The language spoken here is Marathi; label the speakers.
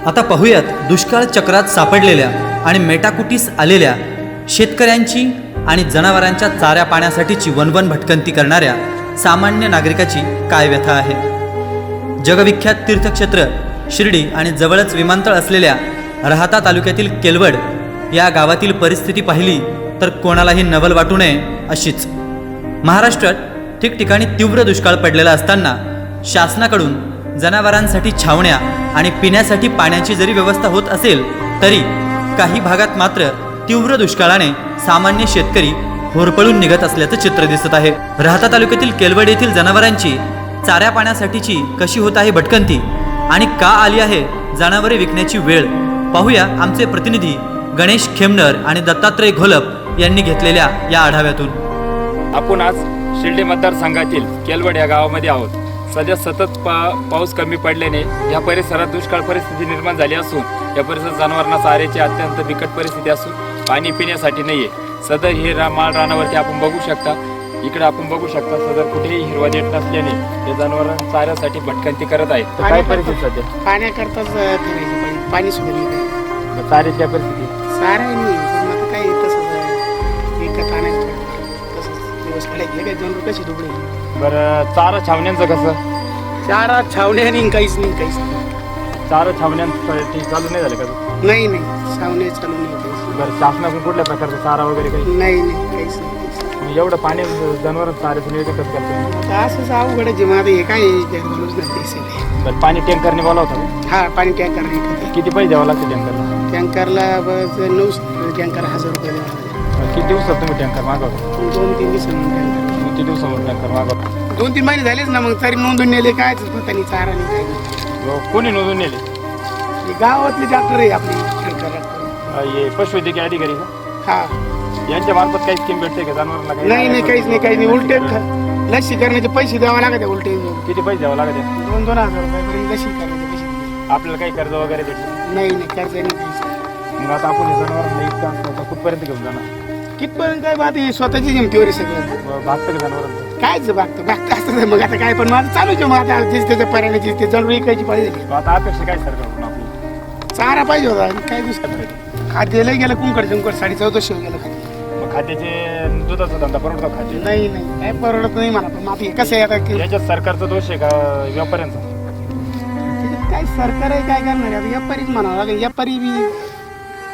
Speaker 1: आता पाहूयात दुष्काळ चक्रात सापडलेल्या आणि मेटाकुटीस आलेल्या शेतकऱ्यांची आणि जनावरांच्या चाऱ्या पाण्यासाठीची वनवन भटकंती करणाऱ्या सामान्य नागरिकाची काय व्यथा आहे। जगविख्यात तीर्थक्षेत्र शिर्डी आणि जवळच विमानतळ असलेल्या राहाता तालुक्यातील केलवड या गावातील परिस्थिती पाहिली तर कोणालाही नवल वाटू नये अशीच। महाराष्ट्रात ठिकठिकाणी तीव्र दुष्काळ पडलेला असताना शासनाकडून जनावरांसाठी छावण्या आणि पिण्यासाठी पाण्याची जरी व्यवस्था होत असेल तरी काही भागात मात्र तीव्र दुष्काळाने सामान्य शेतकरी होरपळून निघत असल्याचं चित्र दिसत आहे। राहाता तालुक्यातील केलवड येथील जनावरांची चाऱ्या पाण्यासाठीची कशी होत आहे भटकंती आणि का आली आहे जनावरे विकण्याची वेळ, पाहूया आमचे प्रतिनिधी गणेश खेमनर आणि दत्तात्रय घोलप यांनी घेतलेल्या या आढाव्यातून।
Speaker 2: आपण आज शिर्डी मतदारसंघातील केलवड या गावामध्ये आहोत। सध्या सतत पाऊस कमी पडल्याने या परिसरात दुष्काळ परिस्थिती निर्माण झाली असून या परिसरात जनावरांना चाऱ्याची अत्यंत बिकट परिस्थिती असून पाणी पिण्यासाठी नाहीये। सदर हे माळ रानावरती आपण बघू शकता, इकडे आपण बघू शकता सदर कुठेही हिरवा देठ नसल्याने हे जनावरांना चाऱ्यासाठी भटकंती करत आहेत। तर काय परिस्थिती सध्या?
Speaker 3: पाण्याकरताच फिरायचं, पाणी सुद्धा नाही।
Speaker 2: चाऱ्याची काय परिस्थिती?
Speaker 3: सारा नाही, पण आता काय तसंच विकत आणायचं, तसंच दिवस काढायचे काय 2 रुपयाची दुबळी।
Speaker 2: बरं, चारा छावण्यांचं कसं?
Speaker 3: चारा छावण्या नाही, काहीच नाही।
Speaker 2: चारा छावण्यांसाठी चालू नाही झालं का?
Speaker 3: नाही छावण्या चालू नाही काहीच।
Speaker 2: बरं, शासनाकडून कुठल्या प्रकारचा चारा वगैरे काही?
Speaker 3: नाही काहीच नाही।
Speaker 2: मग एवढं पाणी जनावर चाऱ्याचं नियोजन कसं करतो?
Speaker 3: आता असंच अवघड आहे मग आता हे काय माणूस नाही पैसे।
Speaker 2: बरं, पाणी टँकरने बोलावता का?
Speaker 3: हा, पाणी टँकर नाही।
Speaker 2: किती पैसे द्यावं लागतं टँकरला?
Speaker 3: टँकरला बस 9 टँकर 1000 रुपये द्यावा लागेल।
Speaker 2: किती दिवसात तुम्ही टँकर मागवता?
Speaker 3: 2-3 दिवसांनी टँकर।
Speaker 2: किती दिवसावर टँकर मागवता?
Speaker 3: 2-3 महिने झालेच ना, मग तरी नोंदून नेले काय पता नाही, चारा नाही काय नाही।
Speaker 2: कोणी नोंदून नेले?
Speaker 3: ही गावातली डॉक्टर आहे आपली टँकर।
Speaker 2: हे पशुवैद्यकीय अधिकारी का?
Speaker 3: हा,
Speaker 2: यांच्या मार्फत काही स्कीम भेटते का जनावरांना?
Speaker 3: नाही काहीच नाही। उलटे लसी करण्याचे पैसे द्यावे लागते उलटे।
Speaker 2: किती पैसे द्यावं लागते?
Speaker 3: 2,000 रुपये लसी करण्याचे पैसे।
Speaker 2: आपल्याला काही कर्ज वगैरे भेटलं?
Speaker 3: नाही कर्ज नाही पैसे।
Speaker 2: मग आता आपण हे जनावरांना इतकं असतं कुठपर्यंत घेऊन जाणार?
Speaker 3: कितपर्यंत काय बात आहे, स्वतःची जिमतीवर आहे सगळं।
Speaker 2: भागतं का जनावरांचं?
Speaker 3: कायच बागतं असतं मग आता काय, पण माझं चालूच आहे। मग आता त्याच्या पर्यायाची ते जरूर विकायची पाहिजे।
Speaker 2: आता अपेक्षा काय सरकारकडून आपली?
Speaker 3: चारा पाहिजे होता आणि काय दुसरं खाद्याला गेलं कुंकड 1450 गेलं खाद्य।
Speaker 2: मग खाद्याचे दुधाचा धंदा परवडतो खाद्य?
Speaker 3: नाही काय परवडत नाही मला। पण आता कसं आहे आता
Speaker 2: याच्यात सरकारचा दोष आहे का व्यापाऱ्यांचा?
Speaker 3: काय सरकार आहे काय करणार आहे आता, व्यापारीच म्हणावं लागेल। व्यापारी बी